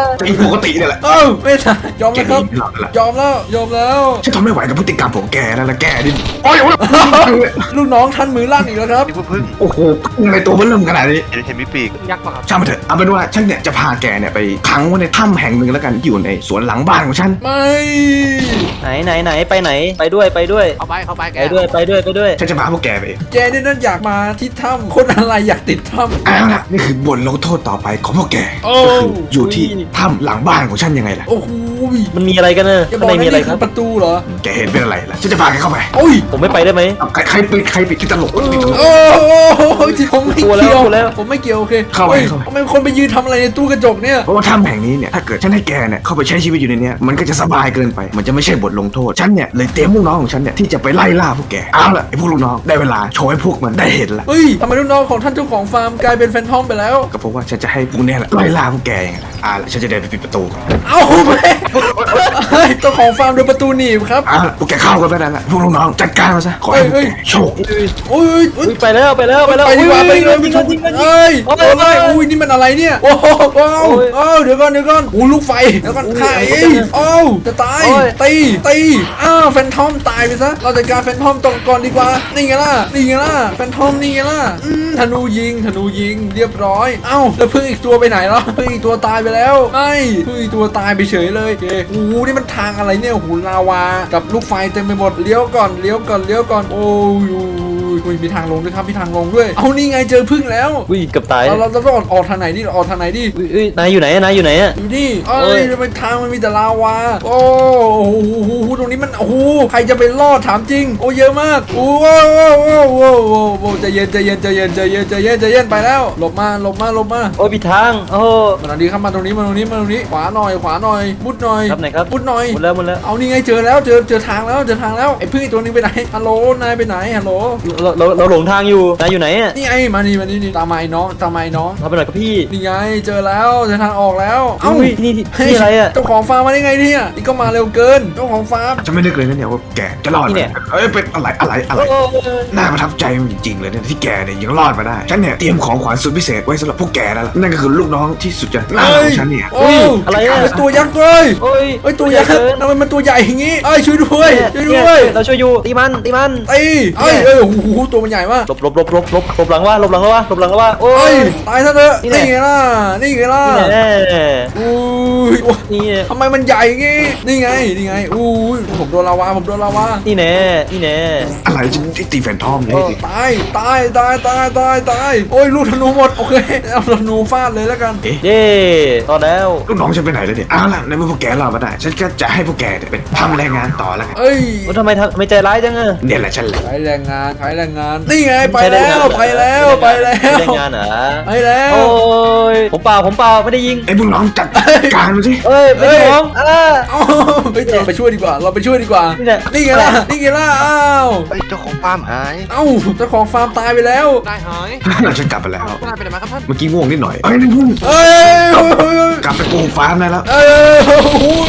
จะอีกปกติเนี่ยแหละเอ้าไม่ใช่ยอมแกแล้วครับนี่หลับแล้วยอมแล้วยอมแล้วฉันทนไม่ไหวกับพฤติกรรมของแกแล้วละแกดิโอ้ยโอ้ยลูกน้องท่านมือลั่นอีกแล้วครับนี่พึ่งโอ้โหพึ่งในตัวมันเริ่มขนาดนี้เห็นเห็นมีปีกยักษ์ป่ะครับช่างมันเถอะเอาเป็นว่าฉันเนี่ยจะพาแกเนี่ยไปขังไว้ในถ้ำแห่งหนึ่งแล้วกันที่อยู่ในสวนหลังบ้านของฉันไม่ไหนไหนไหนไปไหนไปด้วยไปด้วยเข้าไปเข้าไปแกไปด้วยไปด้วยไปด้วยฉันจะพาพวกแกไปแกนี่นั่นอยากมาที่ถ้ำคนอะไรอยากติดถ้ำเอาล่ะนี่คือบทลงโทษต่อไปของพวกแกโอ้ก็คืออยู่ที่ถ้ำหลังบ้านของฉันยังไงล่ะโอ้โหมันมีอะไรกันเนอะอย่าบข้างอกในนะมีอะไรนี่คคืรับอประตูเหรอแกเห็นเป็นอะไรล่ะฉันจะพาแกเข้าไปโอ้ยผมไม่ไปได้ไหมเอาใครใครปิดใครปิดที่ตลกปิดตลกโอ้โหผมไม่กลัวแล้วเกี่ยวกลัวแล้วผมไม่เกี่ยวโอเคเข้าไปฮ้ยเข้าไปทำไมคนไปยืนทำอะไรในตู้กระจกเนี่ยเพราะว่าถ้ำแห่งนี้เนี่ยถ้าเกิดฉันให้แกเนี่ยเข้าไปใช้ชีวิตอยู่ในเนี้ยมันก็จะสบายเกินไป มันจะไม่ใช่บทลงโทษฉันเนี่ยเลยเตรียมลูกน้องของฉันเนี่ยที่จะไปไล่ล่าพวกแกเอาล่ะไอ้พวกลูกน้องได้เวลาโชว์ให้พวกมันได้เห็นละเฮ้ยทำไมลูกน้องของท่านเจ้าของฟาร์มกลายเป็นแฟนทอมไปแล้วก็เพราะว่าฉันจะให้พวกเนี้ยแหละไล่ล่าพวกแกยังไงล่ะเอาล่ะฉันจะเดินไปปิดประตูก่อนเอ้าแม่เฮ้ยเจ้าของฟาร์มโดนประตูหนีบครับเอาล่ะพวกแกเข้ากันไปได้ละพวกลูกน้องจัดการมาซะขอให้พวกเฮ้ยแกโชคโอ้ยโอ้ยอุ้ยไปแล้วไปแล้วไปแล้วไปดีกว่าไปดีกว่ายิงกันยิงกันยิงกันเอ้ยโอ้โอ้ยยอุ้ยนี่มันอะไรเนี่ยโอ้โหโอ้โหโอ้ยโอ้ยเดี๋ยวก่อนเดี๋ยวก่อนโอ้ลูกไฟเดี๋ยวก่อนอุ้ยไข่อะไรกันเนี่ยโอ้จะตายโอ้ยตีตีอ้าวแฟนทอมตายไปซะเราจัดการแฟนทอมตรงก่อนดีกว่านี่ไงล่ะนี่ไงล่ะแฟนทอมนี่ไงล่ะอืมธนูยิงธนูยิงเรียบร้อยเอ้าแล้วพึ่งอีกตัวไปไหนแล้วพึ่งอีกตัวตายไปแล้วไม่พึ่งอีกตัวตายไปเฉยเลยโอเคโอ้โหนี่มันทางอะไรเนี่ยโอ้โหลาวากับลูกไฟเต็มไปหมดเลี้ยวก่อนเลี้ยวก่อนเลี้ยวก่อนโอ้ยอุ้ยมีทางลงด้วยครับมีทางลงด้วยเอานี่ไงเจอพึ่งแล้วอุ้ยเกือบตายเราเราต้องออกออกทางไหนดิออกทางไหนดิอุ้ยอุ้ยนายอยู่ไหนอะนายอยู่ไหนอะอยู่นี่เอ้เอ้ยยทำไมทางมันมีแต่ลาวาโอ้โหตรงนี้มันโอ้โหใครจะไปรอดถามจริงโอ้เยอะมากโอ้โหโอ้โหโอ้โหโอ้โหใจเย็นใจเย็นใจเย็นใจเย็นใจเย็นใจเย็นไปแล้วหลบมาหลบมาหลบมาโอ้ยผิดทางโอ้มาตรงนี้ครับมาตรงนี้มาตรงนี้มาตรงนี้ขวาหน่อยขวาหน่อยมุดหน่อยครับไหนครับมุดหน่อยหมดแล้วหมดแล้วเอานี่ไงเจอแล้วเจอเจอทางแล้วเจอทางแล้วไอ้พึ่งอีกตัวนึงไปไหนฮัลโหลนายไปไหนฮัลโหลเราเราเราหลงทางอยู่นายอยู่ไหนอะนี่ไงมานี่มานี่นี่ตามมาไอ้น้องตามมาไอ้น้องทำไปหน่อยครับพี่นี่ไงเจอแล้วเจอทางออกแล้วเอ้าอุ้ยนี่นี่เฮ้ยนี่อะไรอะเจ้าของฟาร์มมาได้ไงเนี่ยนี่ก็มาเร็วเกินเจ้าของฟาร์มฉันไม่นึกเลยนะเนี่ยว่าแกจะรอดนี่ไหมเนี่ยเอ้ยเป็นอะไรอะไรอะไรโอ้ยน่าประทับใจจริงๆเลยเนี่ยที่แกเนี่ยยังรอดมาได้ฉันเนี่ยเตรียมของขวัญสุดพิเศษไว้สำหรับพวกแกแล้วล่ะนั่นก็คือลูกน้องที่สุดจะน่ารักของฉันเนี่ยโอ้ยอะไรอะเฮ้ยตัวยักษ์เลยโอ้ยเฮ้ยตัวยักษ์เกินทำไมมันตัวใหญ่อย่างงี้เอ้ยช่วยด้วยช่วยเนี่ด้วยเราช่วยอยู่ตีมันตีมันตีเอ้ยเอ้ยโอ้โหตัวมันใหญ่มากหลบหลบหลบหลบหลบหลบหลังว่าหลบหลังแล้วว่าหลบหลังแล้วว่าโอ้เอ้ยยตายซะเถอะนี่แหนี่ละไงล่ะนี่ไงล่ะนี่แน่อุ้ยโอ้ยนี่แน่ทำไมมันใหญ่อย่างงี้นี่ไงนี่ไงอุ้ยผมโดนลาวาผมโดนลาวานี่แน่นี่แน่อะไรฉันที่ตีแฟนทอมเลยเออตายตายตายตายตายตายโอ้ยลูกธนูหมดโอเคเอาธนูฟาดเลยแล้วกันเอ๊ะเย้ตอนแล้วลูกน้องฉันไปไหนแล้วเนี่ยเอาล่ะในเมื่อพวกแกรอดมาได้ฉันก็จะให้พวกแกเนี่ยเป็นทำแรงงานต่อแล้วกันเอ้ยโอ้ทำไมทำทำไมใจร้ายจังอะเนี่ยแหละฉันแหละใช้แรงงานใช้แรงงานนี่ไงไปใช้แรงแล้งานวไปแล้วไปแล้วใช้แรงงานเหรอไปแล้วโอ้ยผมเปล่าผมเปล่าไม่ได้ยิงไอ้พวกน้องจัดการมันสิเอ้ยไม่ใช่ผมอ่าเอ้าเฮ้ยเราไปช่วยดีกว่า เราไปช่วยดีกว่านี่แหละนี่ไงล่ะนี่ไงล่ะอ้าวเฮ้ยเจ้าของฟาร์มหายเอ้าเจ้าของฟาร์มตายไปแล้วนายหายฉันกลับไปแล้วนายไปไหนมาครับท่านเมื่อกี้ง่วงนิดหน่อยเอ้ยนี่พุ่งเอ้ยเฮ้ยเฮ้ยกลับไปกูฟาร์มได้แล้วเอ้ยโอ้ย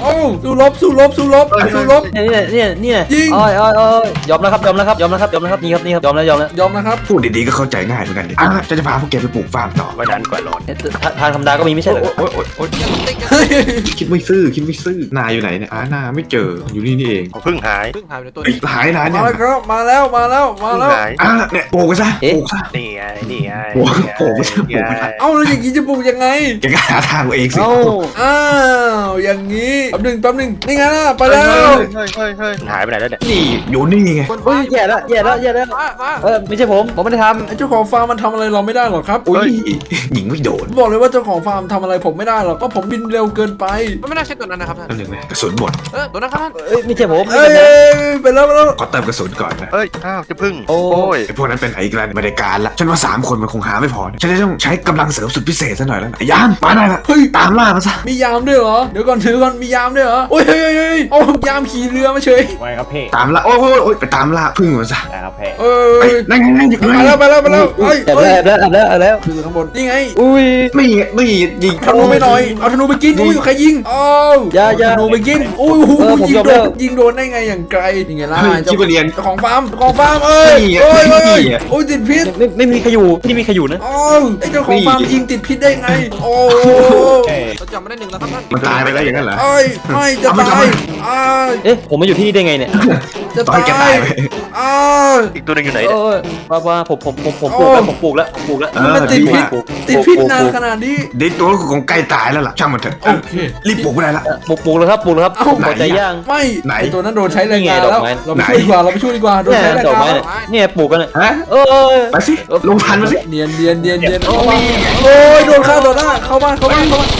โอ้สู้รบสู้รบสู้รบสู้รบเนี่ยเนี่ยเนี่ยยิงอ้อยอ้อยอ้อยยอมแล้วครับยอมแล้วครับยอมแล้วครับยอมแล้วครับนี่ครับนี่ครับยอมแล้วยอมแล้วยอมนะครับพูดดีๆก็เข้าใจง่ายเหมือนกันดิอ่ะฉันจะพาพวกแกไปปลูกฟาร์มต่อวันนั้นกว่าร้อนเอ๊ะทาทางธรรมดาก็มีไม่ใช่เหรอโอ๊ยโอ๊ยโอ๊ยเฮ้ยคิดไม่ซื่อคิดไม่ซื่อนายอยู่ไหนเนี่ยอ่านาไม่เจออยู่นี่นี่เองผมเพิ่งหายเพิ่งหายไปในตัวเอ้ยหายนานมาเนี่ยแล้วครับมาแล้วมาแล้วมาเพิ่งแล้วหายอ่ะเนี่ยปลูกไปซะปลูกซะนี่ไงนี่ไงโอ้โหโอ้โหไม่ใช่ปลูกไม่ใช่เอ้าแล้วอย่างนี้จะปลูกยังไงแกก็หาทางเอาเองสิเอ้าอ้าวอย่างนี้แป๊บหนึ่งแป๊บหนึ่งนี่ไงล่ะไปแล้วเฮ้ยเฮ้ยเฮ้ยเฮ้ยหายไปไหนแล้วเนี่ยนี่อยู่นี่ไงคนเฮ้ยแย่แล้วแย่แล้วแย่แล้วฟ้าฟ้าเออไม่ใช่ผมผมไม่ได้ทไอ้เจ้าของฟาร์มมันทำอะไรเราไม่ได้หรอกครับอุ้ยหญิงไม่โดนบอกเลยว่าเจ้าของฟาร์มทำอะไรผมไม่ได้หรอกเพราะผมบินเร็วเกินไปมันไม่น่าใช่ตัวนั้นนะครับท่านนั่นหนึ่งเลยกระสุนหมดเออตัวนั้นครับท่านำเอ้ยไม่ใช่ผมไม่เอ้ใช่ยผมไปแล้วไปแล้วขอเติมกระสุนก่อนนะเอ้ยอ้าวจะพึ่งโอ้โอ้ยไอ้พวกนั้นเป็นไหนอีกแล้วไม่ได้การละฉันว่าสามคนมันคงหาไม่พอฉันจะต้องใช้กำลังเสริมสุดพิเศษซะหน่อยแล้วไอ้ยามมาได้ละเฮ้ยตามล่ามาซะมียามด้วยเหรอเดี๋ยวก่อนถือก่อนมียามด้วยเหรอโอ้ยเฮ้ยเฮ้ยเฮ้ยโอ้ยามขี่เรือมาเฉยไว้ครับพี่ตามล่าโอ้ยโอ้ยโอ้ยไปตามล่าพึ่งมันซะได้ครับพี่เอเฮ้ยยนั่นไงนั่นอยู่ไปแล้วไปแล้วไปแล้วเฮ้ยแอบเฮ้ยแล้วแอบแล้วแอบแล้วแอบแล้วคือข้างบนนี่ไงอุ้ยไม่ไม่ยิงธนูไม่หน่อยเอาธนูไปกินอุ้ยใครยิงอ้าวอย่าอย่าธนูไปกินอุ้ยโอ้โหเออผมยิงยอมโดแล้นวยิงโดนได้ไงอย่างไกลยังไงล่ะเฮ้ยเจ้าชิบะเรียนเจ้าของฟาร์มเจ้าของฟาร์มเอ้ยนี่ไงโอ้ยโอ้ยนี่ไงโอ้ยติดพิษไม่ไม่มีใครอยู่ที่นี่มีใครอยู่นะอ้าวไอ้เจ้าของฟาร์มยิงติดพิษได้ไงโอ้เอ้ยเราจำไม่ได้หนึ่งแล้วครับท่านมันตายไปแล้วอย่างนั้นเหรอเอ้ยไม่จะเอามาตายเอามาอ้าวเอ๊ะผมมาอยู่ที่นี่ได้ไงเนี่ยจะตอนตาแกตายยไปอ้าวอีกตัวหนึงอยู่ไหนเอเนี่ยอว่าว่าผมผมผมผมปลูกแล้วผมปลูกแล้วผมปลูกแล้วเออมันติดดีพิษมากติดพิษนานขนาดนี้เด็กตัวคงใกล้ตายแล้วล่ะช่างมันเถอะโอเครีบปลุกไปได้ละปลูกปลูกแล้วครับปลูกแล้วครับเอ้าพอใจย่างไม่ไหนไอตัวนั้นโดนใช้แรงงานนี่ไงดแล้อวกไม้เราไปช่วยดีกว่าเราไปช่วยดีกว่าโดนเนี่ยใช้แรงดอกงาไม้นเนี่ยเนี่ยปลูกกันเนี่ยฮะเออไปสิลงทันมาสิเนียนเนียนเนียนเนียนโอ้เข้าย บ้านโอ้ยโดนฆ่าต่อหน้าเข้าบ้านเข้าบ้านเข้าบ้าน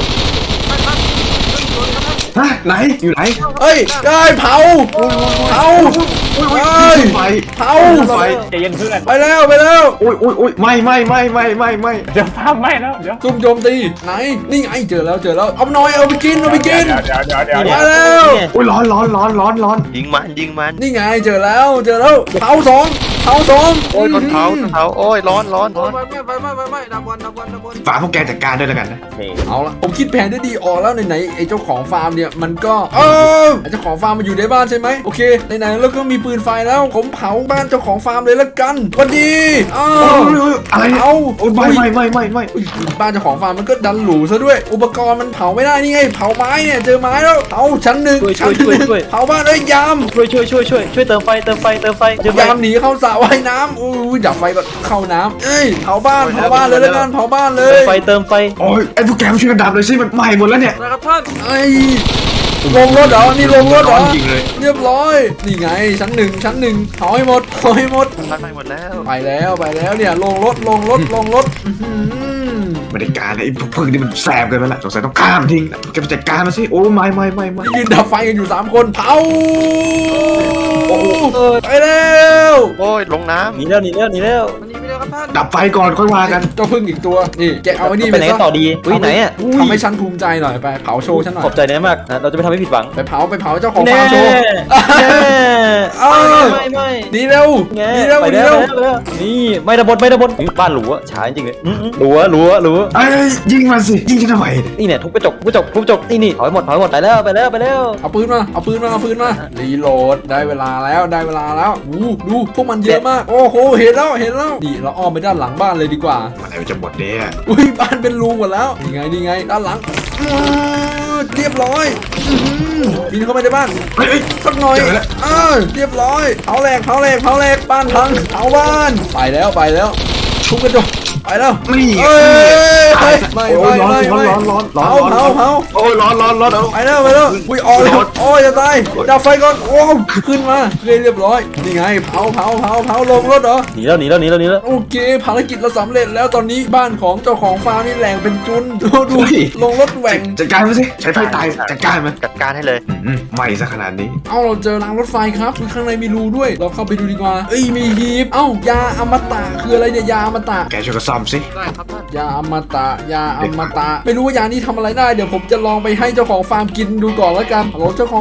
ฮะไหนอยู่ไหนเอ้ยได้เผาเผาอุ้ยอุ้ยเอ้ยไฟเผาไฟใจเย็นเพื่อนไปแล้วไปแล้วอุ้ยอุ้ยอุ้ยไม่ไม่ไม่ไม่ไม่ไม่เดี๋ยวภาพไหม้แล้วเดี๋ยวซุ่มโจมตีไหนนี่ไงเจอแล้วเจอแล้วเอาหน่อยเอาไปกินเอาไปกินเดี๋ยวเดี๋ยวเดี๋ยวเดี๋ยวมาแล้วเนี่ยอุ้ยร้อนร้อนร้อนร้อนร้อนยิงมันยิงมันนี่ไงเจอแล้วเจอแล้วเผาสองเผาสองโอ้ยต้นเท้าต้นเท้าโอ้ยร้อนร้อนร้อนไฟไหม้ไฟไหม้ไฟไหม้ดับวันดับวันดับวันฝากพวกแกจัดการด้วยแล้วกันนะเอาละผมคิดแผนได้ดีออกแล้วไหนๆไอ้เจ้าของฟาร์มเนี่ยมันก็เออไอ้เจ้าของฟาร์มมันอยู่ในบ้านใช่ไหมโอเคไหนๆแล้วก็มีปืนไฟแล้วผมเผาบ้านเจ้าของฟาร์มเลยละกันสวันดีอ้าโอ้วยโอ้ยอะไรเนี่ยเอาโอ้ยไม่ไม่ไม่ไม่ไม่อุ้ยบ้านเจ้าของฟาร์มมันก็ดันหรูซะด้วย อุปกรณ์มันเผาไม่ได้นี่ไงเผาไม้เนี่ยเจอไม้แล้วเผาชั้นหนึ่งช่วยชั้นหช่วยนึ่งช่วยเผาบ้านเลยยามช่วยช่วยช่วยช่วยช่วยเติมไฟเติมไฟเติมไฟเติมไฟยามหนีเข้าสระว่ายน้ำอุ้ยดับไฟก็เข้าน้ำเอ้ยเผาบ้านเผาบ้านเลยละกันเผาบ้านเลเติมยไฟเติมไฟโอ้ยไอ้พวกแกมาช่วยกันดับเลยสิมันไหม้หมดแล้วเนี่ยนะครับท่านไอ้ลงรถเหรอนี่ลงรถเหรอจริงเลยเรียบร้อยนี่ไงชั้นหนึ่งชั้นหนึ่งเผาให้หมดเผาให้หมดมันไปหมดแล้วไปแล้วไปแล้วเนี่ยลงรถลงรถลงรถอื้อหือไม่ได้การเลยไอ้พวกพึ่งนี่มันแสบเกินไปละสงสัยต้องข้ามทิ้งแกไปจัดการมาสิโอ้ไม่ไม่ไม่ไม่ยืนดับไฟกันอยู่สามคนเผาโอ้โหเออไปแล้วโอ้ยลงน้หนีแล้วหนีแล้วหนีแล้วมันหนีไปแล้วครับท่านดับไฟก่อนค่อยว่ากันเจ้าพึ่งอีกตัวนี่แกเอาไอ้นี่ไปไหนซะต่อดีอุ้ยไหนอ่ะทำให้ฉันภูมิใจหน่อยไปเผาโชว์ฉันหน่อยขอบใจนายมากนะเราจะไม่ทำให้ผิดหวังไปเผาไปเผาเจ้าของแน่ฟาร์มโชว์แน่เอ้าไม่ไม่หนีเร็วไงหนีเร็วไปหนีแล้วเร็วไปแล้วนี่ไม่ระบดไม่ระบดอุ๊ยบ้านหรูอะช้าจริงๆเลยอื้อๆหรูอะหรูอะหรูอะไอ้ยยิงมันสิยิงฉันทำไมนี่เนี่ยทุบกระจกทุบกระจกทุบกระจกนี่นี่ถอยหมดถอยหมดไปแล้วไปแล้วไปแล้วเอาปืนมาเอาปืนมาเอาปืนมารีโหลดได้เวลาแล้วได้เวลาแล้วอู้ดูพวกมันเยอะมากโอ้โหเห็นแล้วเห็นแล้วนี่เราอ้อมไปด้านหลังบ้านเลยดีกว่ามันอะไรจะหมดเนี่ยอุ้ยบ้านเป็นรูหมดแล้วนี่ไงนี่ไงด้านหลังอื้อเรียบร้อยอื้อหือบินเข้าไปในบ้านเฮ้ยเฮ้ยสักหน่อยเจอแล้วเออเรียบร้อยเผาแหลกเผาแหลกเผาแหลกบ้านพังเผาบ้านไปแล้วไปแล้วทุบกระจกไปแล้วนี่เอ้ยไม่ไม่โอ้ไม่ยร้อนไม่ไม่ร้อนร้อนร้อนเผาร้อนเผาเผาโอ้ยร้อนร้อนร้อนเอาไปแล้วไปแล้วอุ้ยออกเลยร้อนโอ้ยจะตายดับไฟก่อนโอ้ขึ้นมาเรียบร้อยนี่ไงเผาเผาเผาเผาลงรถเหรอหนีแล้วหนีแล้วหนีแล้วหนีแล้วโอเคภารกิจเราสำเร็จแล้วตอนนี้บ้านของเจ้าของฟาร์มนี่แหลงเป็นจุนดูดูลงรถแหว่งจัดการมันสิใช้ไฟตายจัดการมันำจัดการให้เลยอืมไหม้ซะขนาดนี้เอ้าเราเจอรางรถไฟครับคือข้างในมีรูด้วย เราเข้าไปดูดีกว่าเอ้ยมีฮีบเอ้ายาอมตะคืออะไรเนี่ยยาอมตะแกช่วยกันซ่อมสิได้ครับท่านยาอมตะยาอมตะ ไม่รู้ว่ายานี้ทำอะไรได้เดี๋ยวผมจะลองไปให้เจ้าของฟาร์มกินดูก่อนแล้วกันฮัลโหลเจ้าของ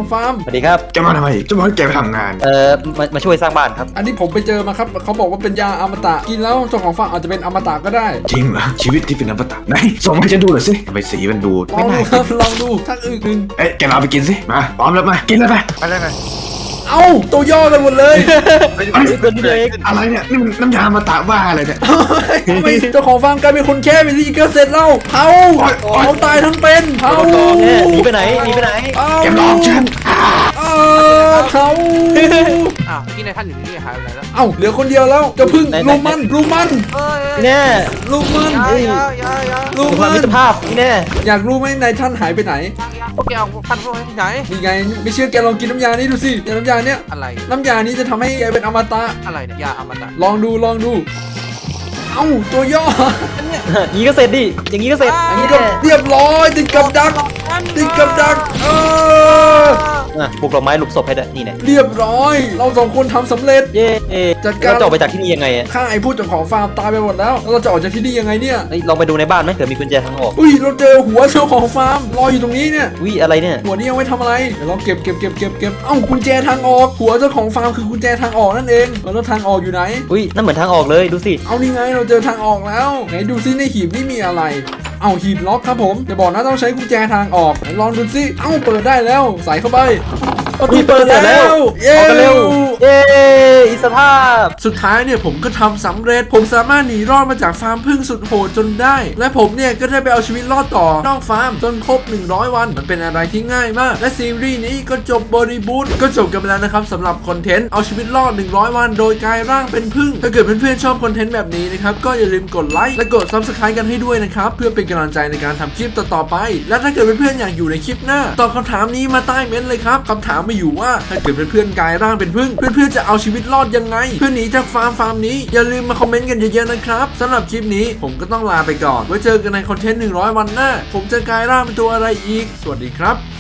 ฟาร์มสวัสดีครับจะมาทำไมจะมาให้แกไปทำงานเอ่อมามาช่วยสร้างบ้านครับอันนี้ผมไปเจอมาครับเขาบอกว่าเป็นยาอมตะกินแล้วเจ้าของฟาร์มอาจจะเป็นอมตะก็ได้จริงเหรอชีวิตที่เป็นอมตะไหนส่งมาให้ฉันดูหน่อยสิทำไมสีมันดูลอไม่งน่าดูครับลองดูทักอึกหนึ่งเอ๊ะแกเอาไปกินสิมาพร้อมแล้วมากินแล้วไปไปเลยไปเอ้าตัวย่อกันหมดเลยเฮ้ยเฮ้ยคนนี้เองอะไรเนี่ยนี่มันน้ำยาอมตะบ้าอะไรเนี่ยทำไมเจ้าของฟาร์มกลายเป็นคนแค่ไปที่ก็เสร็จแล้วเผาเผาตายทั้งเป็นเผาเนี่ยหนีไปไหนหนีไปไหนเผาแกหลอกฉันเออเผาอ้าวที่นายท่านอยู่นี่หายไปไหนแล้วเอ้าเหลือคนเดียวแล้วจะพึ่งลูกมันลูกมันเอ้ยเนี่ยลูกมันยายายายาลูกความมัมินตรภาพนี่แน่อยากรู้ไหมนายท่านหายไปไหนพวกแกเอาท่านพวกนี้ที่ไหนนี่ไงไม่เชื่อแกลองกินน้ำยานี้ดูสิยาน้ำยาเนี้ยอะไรน้ำยานี้จะทำให้แกเป็นอมตะอะไรเนี่ยยาอมตะลองดูลองดู เอ้าตัวย่ออย่างนี้ก็เสร็จดิอย่างนี้ก็เสร็จอันนี้ก็เรียบร้อยติดกับดักติดกับดักเอออ่ะปลูกดอกไม้หลุมศพให้ด้วยนี่แน่เรียบร้อย เราสองคนทำสำเร็จเย้จัดการแล้วจะออกไปจากที่นี่ยังไงอ่ะข้าไอ้ผู้เจ้าของฟาร์มตายไปหมดแล้วแล้วเราจะออกจากที่นี่ยังไงเนี่ยเฮ้ยลองไปดูในบ้านไหมเผื่อมีกุญแจทางออกอุ้ยเราเจอหัวเจ้าของฟาร์มรออยู่ตรงนี้เนี่ยวิอะไรเนี่ยหัวนี้เอาไว้ทำอะไรเดี๋ยวเราเก็บเก็บเก็บเก็บเก็บเอ้ากุญแจทางออกหัวเจ้าของฟาร์มคือกุญแจทางออกนั่นเองแล้วทางออกอยู่ไหนอุ้ยนั่นเหมือนทางออกเลยดูสิเอานี่ไงเราเจอทางออกแล้วไหนดูซิในหีบนี่มีอะไร เอาหีบล็อกครับผมอย่าบอกนะต้องใช้กุญแจทางออกไหนลองดูซิเอ้าเปิดได้แล้วใส่เข้าไปประตูเปิดแล้วเย้ออกกันเร็วเย้อิสรภาพสุดท้ายเนี่ยผมก็ทำสำเร็จผมสามารถหนีรอดมาจากฟาร์มพึ่งสุดโหดจนได้ และผมเนี่ยก็ได้ไปเอาชีวิตรอดต่อนอกฟาร์มจนครบหนึ่งร้อยวันมันเป็นอะไรที่ง่ายมากและซีรีส์นี้ก็จบบริบูรณ์ก็จบกันไปแล้วนะครับสำหรับคอนเทนต์เอาชีวิตรอดหนึ่งร้อยวันโดยกลายร่างเป็นพึ่งถ้าเกิดเพื่อนๆชอบคอนเทนต์แบบนี้นะครับก็อย่าลืมกดไลค์และกด ซับสไครบ์ กันให้ด้วยนะครับเพื่อเป็นกำลังใจในการทำคลิปต่อๆไปและถ้าเกิดเพื่อนๆอยากอยู่ในคลิปหน้าตอบคำถามนี้มาใต้เม้นต์เลยครับคำถามมาอยู่ว่าถ้าเกิดเพื่อนๆกลายร่างเป็นพึ่งเพื่อนๆจะเอาชีวิตรอดยังไงเพื่อหนีจากฟาร์มฟาร์มนี้อย่าลืมมาคอมเมนต์กันเยอะๆนะครับสำหรับคลิปนี้ผมก็ต้องลาไปก่อนไว้เจอกันในคอนเทนต์หนึ่งร้อยวันหน้าผมจะกลายร่างเป็นตัวอะไรอีกสวัสดีครับ